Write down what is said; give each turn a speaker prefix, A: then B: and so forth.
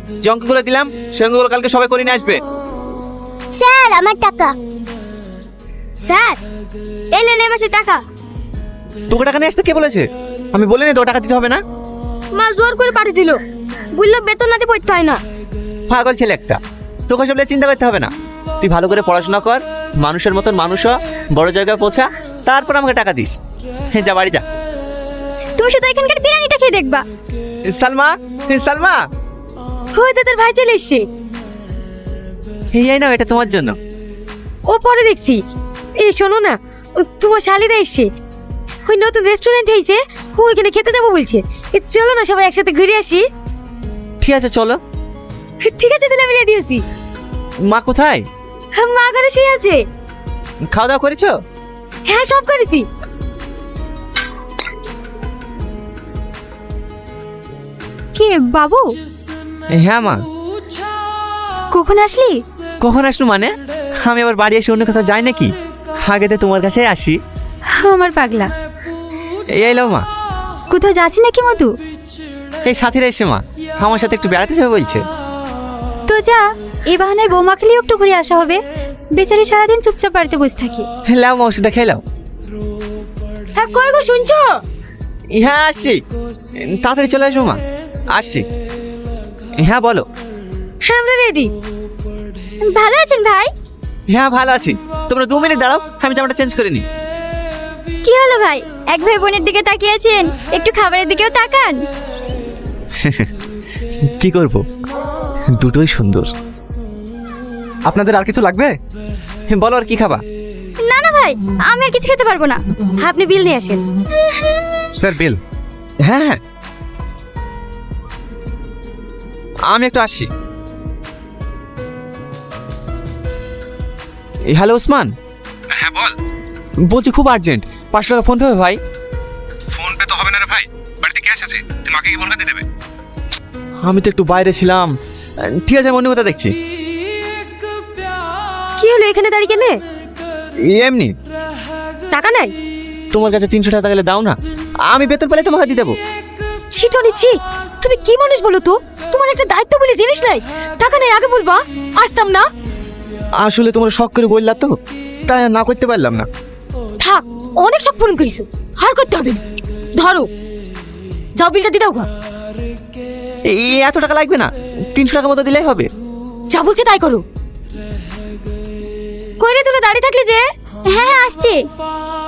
A: যে অঙ্কগুলো দিলাম সে অঙ্কগুলো কালকে সবাই করে নিয়ে আসবে।
B: স্যার আমার টাকা। স্যার এলেন এই মাসে টাকা।
A: তোকে টাকা নিয়ে আসতে কে বলেছে? আমি বলিনি তো টাকা দিতে হবে না।
B: মা জোর করে পাঠিয়ে দিল, বললো বেতন না দিয়ে পড়তে হয় না।
A: পাগল ছেলে একটা, তোকে সব নিয়ে চিন্তা করতে হবে না। তুই ভালো করে পড়াশোনা কর, মানুষের মতন মানুষ হ, বড় জায়গায় পৌঁছা, তারপর আমাকে টাকা দিস। যা বাড়ি যা।
B: তুমি শুধু এখানকার বিরিয়ানিটা খেয়ে দেখবা।
A: সালমা, সালমা,
B: হয়তো তোর ভাই চলে এসছে।
A: এই নাও, এটা তোমার জন্য।
B: ও পরে দেখছি। এই শোনো না, তোমার শালিরা এসছে, ওই নতুন রেস্টুরেন্ট হয়েছে, ওইখানে খেতে যাবো বলছে। চলো না সবাই একসাথে ঘুরে আসি।
A: ঠিক আছে চলো।
B: ঠিক আছে তাহলে আমি রেডি আছি।
A: মা কোথায়?
B: মা ঘরে শুয়ে আছে।
A: খাওয়া দাওয়া করেছো?
B: হ্যাঁ সব করেছি। কে বাবু?
A: হ্যাঁ মা।
B: কখন আসলি?
A: কখন আসলো মানে? আমি আবার বাড়ি এসে অন্য কোথাও যাই নাকি? আগে তো তোমার কাছে আসি।
B: আমার পাগলা।
A: এই এলো মা।
B: কোথাও যাচ্ছি নাকি মধু?
A: এই সাথীরা এসে মা আমার সাথে একটু বেড়াতে যাবে বলছে।
B: তো যা, এই বাহানায় বৌমা খেলেও একটু ঘুরে আসা হবে। বেচারি সারাদিন চুপচাপ বাড়িতে বসে থাকি।
A: লাও মা, ওষুধটা খেয়ে লাও।
B: হ্যাঁ কই গো শুনছো?
A: হ্যাঁ আসছি, তাড়াতাড়ি চলে আসবো মা। আসছি। হ্যাঁ বলো।
B: হ্যাঁ আমরা রেডি। ভালো আছেন ভাই?
A: হ্যাঁ ভালো আছি। তোমরা 2 মিনিট দাঁড়াও, আমি জামাটা চেঞ্জ করে নিই।
B: কি হলো ভাই, এক ভাই বোনের দিকে তাকিয়েছেন, একটু খাবারের দিকেও তাকান।
A: কি করব, দুটোই সুন্দর। আপনাদের আর কিছু লাগবে? বলো আর কি খাবা?
B: না না ভাই, আমি আর কিছু খেতে পারবো না, আপনি বিল নিয়ে আসেন।
A: Sir bill? হ্যাঁ হ্যাঁ, আমি একটু আসছি। হ্যালো ওসমান।
C: হ্যাঁ বল।
A: বলছি খুব আর্জেন্ট, 500 টাকা ফোন পেবে ভাই?
C: ফোন পে তো হবে না রে ভাই, বাড়িতে ক্যাশ আছে, তুই মাকে কি বলকে দিয়ে দেবে?
A: আমি তো একটু বাইরে ছিলাম। ঠিক আছে, আমি অন্য কথা দেখছি।
B: কি হলো এখানে দাঁড়িয়ে কেনে?
A: এমনি।
B: টাকা নাই?
A: তোমার কাছে 300 টাকা গেলে দাও না, আমি বেতন পেলে তোমাকে দিয়ে দেবো।
B: ছি টনি ছি, তুমি কি মানুষ বলো তো? তোমার একটা দায়িত্ব বলে জিনিস নাই, টাকা নেই আগে বলবা, আসতাম না।
A: আসলে তোমার শখ করে বললা তো, তাই আর না করতে পারলাম না।
B: থাক, অনেক সব পূরণ করিস, আর করতে হবে না। ধরো, যাও বিলটা দিয়ে দাও গা।
A: এই এত টাকা লাগবে না, 300 টাকা মতো দিলেই হবে।
B: যা বলছে তাই করো। কইরে তুমি দাঁড়িয়ে থাকলে যে? হ্যাঁ আসছে।